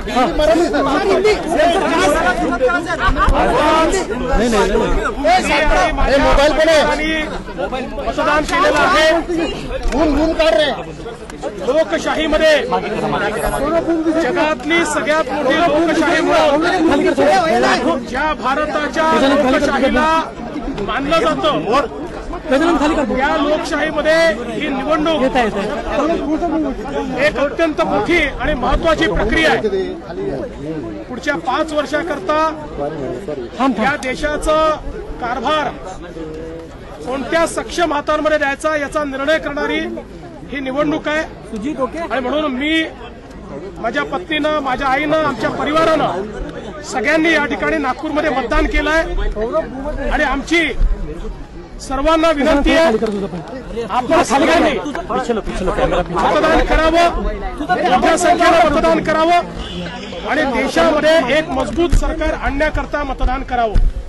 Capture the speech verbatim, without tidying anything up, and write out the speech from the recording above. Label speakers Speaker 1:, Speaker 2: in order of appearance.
Speaker 1: Mobile पण
Speaker 2: मतदान केलेलं आहे। लोकशाहीमध्ये जगातली सगळ्यात मोठी लोकशाही ज्या भारताच्या लोकशाहीला मानलं जातं या लोकशाहीमध्ये ही निवडणूक एक अत्यंत मोठी आणि महत्वाची प्रक्रिया आहे। पुढच्या पाच वर्षाकरता या देशाचा कारभार कोणत्या सक्षम हातांमध्ये द्यायचा याचा निर्णय करणारी ही निवडणूक आहे। आणि म्हणून मी माझ्या पत्नीनं, माझ्या आईनं, आमच्या परिवारानं सगळ्यांनी या ठिकाणी नागपूरमध्ये मतदान केलंय आणि आमची सर्वांना विनंती आहे आपण सगळ्यांनी मतदान करावं, मोठ्या संख्येनं मतदान करावं आणि देशामध्ये एक मजबूत सरकार आणण्याकरता मतदान करावं।